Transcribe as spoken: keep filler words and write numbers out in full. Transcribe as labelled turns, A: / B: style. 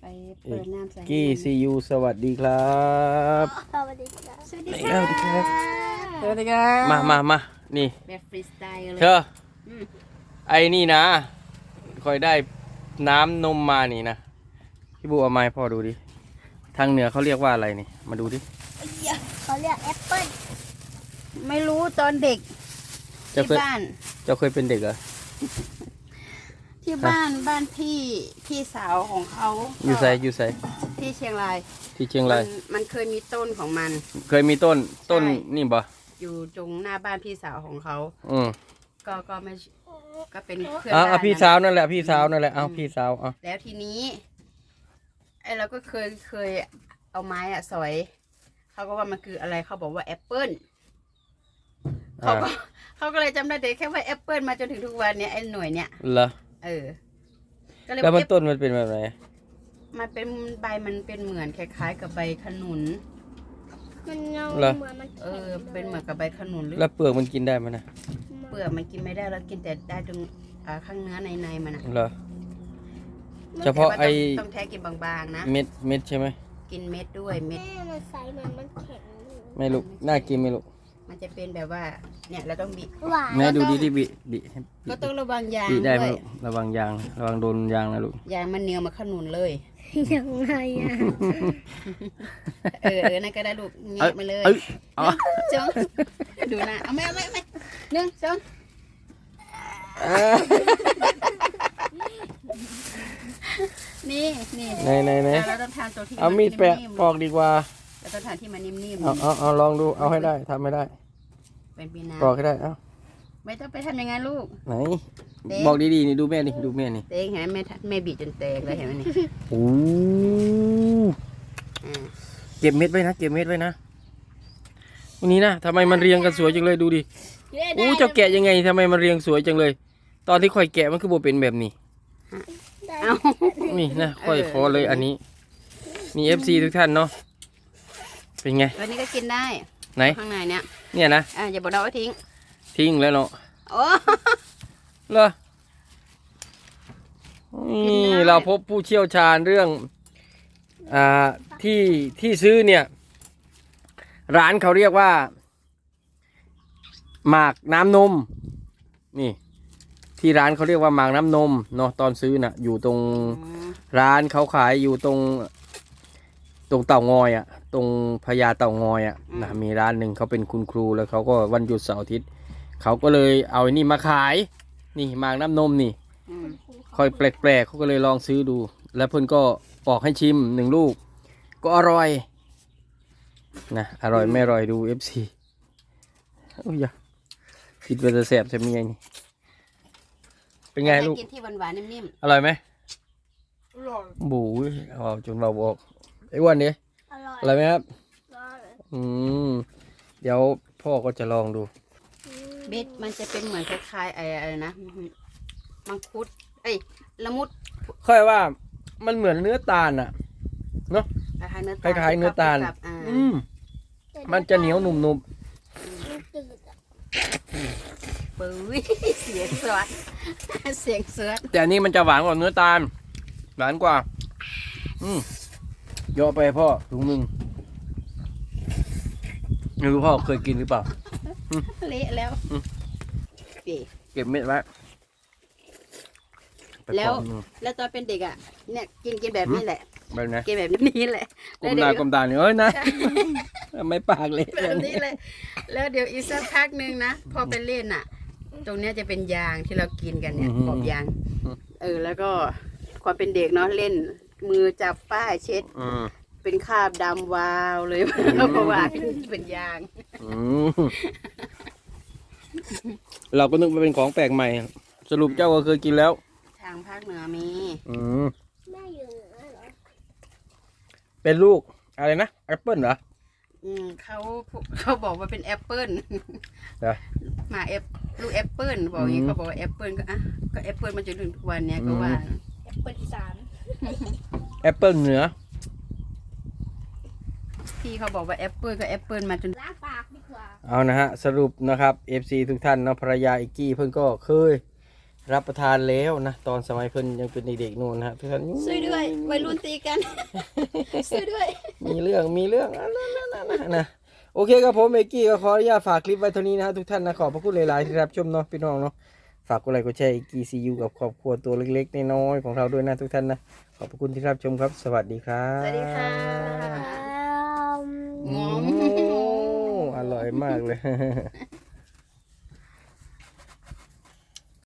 A: เปิดน้ำใส่
B: กี้ซียูสวัสดีครับ
C: สวัสดีครับ
A: สวัสดีครับสวัสดีครับ
B: มามามานี่
A: แบบฟรีสไตล์เลย
B: เธอไอ้นี่นะคอยได้น้ำนมมานี่นะพี่บูเอาไม้พ่อดูดิทางเหนือเขาเรียกว่าอะไรนี่มาดูดิ
C: เขาเรียกแอปเปิ้ล
A: ไม่รู้ตอนเด็ก
B: เจ้า
A: ที่
B: เคย
A: บ้าน
B: เจ้าเคยเป็นเด็กเหรอ
A: ที่บ้านบ้านพี่พี่สาวของเขา
B: อยู่ไสอยู่ไส
A: ที่เชียงราย
B: ที่เชียงราย
A: มันมันเคยมีต้นของมัน
B: เคยมีต้นต้น
A: ใช่
B: นี่บ่
A: อยู่ตรงหน้าบ้านพี่สาวของเขา
B: อืม
A: ก็ก็ไม่ก็เป็นเพื่อน
B: อ่า
A: บ้าน
B: พี่
A: นะ
B: สาวนั่นแหละพี่สาวนั่นแหละเอาพี่สาวเอา
A: แล้วทีนี้ไอ้เราก็เคยเคยเอาไม้อะสอยเขาก็ว่ามันคืออะไรเขาบอกว่าแอปเปิ้ลเขาก็เขาก็เลยจำได้แต่แค่ว่าแอปเปิ้ลมาจนถึงทุกวันเนี้ยไอ้หน่วยเนี้ย
B: เหรอ
A: เออก็เลย
B: แล้วมัน
A: เก็บ
B: ต้นมันเป็นแบบไหน
A: มันเป็นใบมันเป็นเหมือนคล้ายๆ กับใบขนุน
C: มันเงาเหมือนมัน
A: เออ เป็นเหมือนกับใบขนุนหรือ
B: แล้วเปลือกมันกินได้ไหมนะ
A: เปลือกมันกินไม่ได้แล้วกินแต่ได้ตรงอ่าข้างเนื้อในในมันอะ
B: เหรอเฉพาะไอ
A: แต่ว่าต้องต้องแท้กินบางๆนะ
B: เม็ดเม็ดใช่ไหม
A: กินเม็ดด้วยเม็ด
C: แม่มันใสเหมือนมันแข็งอยู่
B: ไม่ลูกน่ากินไหม่ลูก
A: มันจะเป็นแบบว่า เนี่ยเราต้องบีบ
C: หวาน
B: แม่ดูดิที่บิบิให้
A: ก็ต้องระวังยาง
B: บิได้ไหม
A: ด้วย
B: ลูกระวังยางระวังโดนยางนะลูก
A: ยางมันเหนียวมาขนุนเลย
C: ยังไงอ่ะ
A: เออเออนั่นก็ได้ลูกเงียบมาเลย
B: เอ้ยอ๋อ
A: จงดูนะเอาไม่เอาไม่ไม่หนึ่งสองนี่นี่
B: ไหนไหนไหน
A: เราต้องทานตัวที่
B: เอามีดแปะ
A: นิ่มๆ
B: ปอกดีกว่า
A: เราต้องทานที่มันนิ่ม
B: เอาเอาเอาลองดูเอาให้ได้ทำไม่ได้
A: ๆเป็นปีนา
B: ปอกให้ได้เอา
A: ไม่ต้องไปทำอย่างนั้นลูก
B: ไหน
A: เด็ก
B: บอกดีๆนี่ดูแม่นี่ดูแม่นี่
A: เต็งเห็นไหมแม่ทัแม่บีบจนแตกเลยเห็นไหมนี่
B: โอ้
A: อ่า
B: เก็บเม็ดไว้นะเก็บเม็ดไว้นะวันนี้นะทำไมมันเรียงกันสวยจังเลยดูดิโอ้เจ้าแกะยังไงทำไมมันเรียงสวยจังเลย ตอนที่ค่อยแกะมันคือโบเป็นแบบนี้
A: เอา
B: นี่นะค่อยขอเลยอันนี้นี่ เอฟ ซี ทุกท่านเนาะเป็นไง
A: วันนี้ก็กินได้
B: ไหน
A: ข้างในเนี้ย
B: เนี่ยนะ
A: อ่าอย่าบอกเราว่าทิ้ง
B: ทิ้งแล้วเนาะ
A: โอ้
B: เหรอนี่เราพบผู้เชี่ยวชาญเรื่องอ่าที่ที่ซื้อเนี่ยร้านเขาเรียกว่าหมากน้ำนมนี่ที่ร้านเขาเรียกว่าหมากน้ำนมเนาะตอนซื้อน่ะอยู่ตรงร้านเขาขายอยู่ตรงตรงเต่างอยอ่ะตรงพญาเต่างอยอ่ะนะมีร้านหนึ่งเขาเป็นคุณครูแล้วเขาก็วันหยุดเสาร์อาทิตย์เขาก็เลยเอาไอ้นี่มาขายนี่หมากน้ำนมนี่
A: อืม
B: ค่อยแปลกๆเขาก็เลยลองซื้อดู แล้วเพื่อนก็ปอกให้ชิมหนึ่งลูก ก็อร่อยนะอร่อยไม่อร่อยดู เอฟ ซี โอ้ยอย่าคิดว่าจะแสบจะมีไงนี่เป็นไงลูก
A: กินที่หวานๆนิ่ม
B: อร่อยไหม
C: อร่อย
B: บูยเอาจนเราบอกไอ้อ้วันนี้
C: อร่อย
B: อร่อยไหมครับ
C: อร่อย
B: อืมเดี๋ยวพ่อก็จะลองดู
A: ๆเบ็ดมันจะเป็นเหมือนคล้ายๆไอ้อะไรนะมังคุดเอ้ยละมุด
B: ค่อยว่ามันเหมือนเนื้อตาลอ่ะ
A: คล้ายๆเนื้อ
B: ค
A: ตาล
B: ล้ายๆเนื้อตาล
A: กับอ่า
B: อืมมันจะเหนียวหนุ่ม
C: มันจืดอ่ะ
A: ปื้ยเสียงสวดเสียงเสือ
B: ๆแต่อันนี้มันจะหวานกว่าเนื้อตาลหวานกว่า อืมเยอะไปพ่อถุงมึงไม่รู้พ่อเคยกินหรือเปล่า
A: เละแล้ว
B: อืม
A: นี่
B: เก็บเม็ดไว้ไป
A: แล้ว
B: ปอกหนึ่ง
A: แล้วตอนเป็นเด็กอ่ะเนี่ยกินกินแบบนี้แหละ
B: แบบไหน
A: กินแบบนี้แหละ
B: กลมหน้ากลมตาเนี่ยเอ้ยนะไม่ปากเลย
A: แบบนี้เลย แล้วเดี๋ยวอีกสักพักหนึ่งนะพอไปเล่นอ่ะ ตรงเนี้ยจะเป็นยางที่เรากินกันเนี่ยขอบยาง เออ แล้วก็ความเป็นเด็กเนาะเล่น มือจับป้ายเช็ด
B: อืม
A: เป็นคราบดำวาวเลยเพราะว่าเป็นยาง
B: อืมเราก็นึกว่าเป็นของแปลกใหม่ สรุปเจ้าก็เคยกินแล้ว
A: ทางภาคเหนือมี
B: อืม
C: แม่อยู่เหนือเหรอ
B: เป็นลูกอะไรนะแอปเปิลเหรอ
A: อืมเขาเขาบอกว่าเป็นแอปเปิล
B: เหรอ
A: มาแอปลูกแอปเปิลบอกอย่างนี้
B: อืม
A: เขาบอกว่าแอปเปิลก็อ่ะก็แอปเปิลมาจนถึงทุกวันเนี้ยก็ว่า
C: แอปเปิ้ลอีสาน
B: แอปเปิลเหนือ
A: พี่เขาบอกว่าแอปเปิลก็แอปเปิลมาจน
C: ล้างปากดีกว่า
B: เอานะฮะสรุปนะครับ เอฟ ซี ทุกท่านเนาะภรรยาอิกกี้เพิ่นก็เคยรับประทานแล้วนะตอนสมัยเพิ่นยังเป็นเด็กๆนู่นนะฮะทุกท่าน
A: ช่วยด้วยวัยรุ่นตีกัน ช่วยด้วย
B: มีเรื่องมีเรื่องอ่ะนะนะนะนะนะโอเคครับผมเมกกี้ก็ขออนุญาตฝากคลิปไว้เท่านี้นะฮะทุกท่านนะขอบพระคุณหลายๆที่รับชมเนาะพี่น้องเนาะฝากกดไลค์กดแชร์อีกกีซียูกับครอบครัวตัวเล็กๆน้อยๆของเราด้วยนะทุกท่านนะขอบพระคุณที่รับชมครับสวัสดีครับ
A: สวัสดีค่ะ
C: อ้าว
A: งอม
B: โอ้อร่อยมากเลย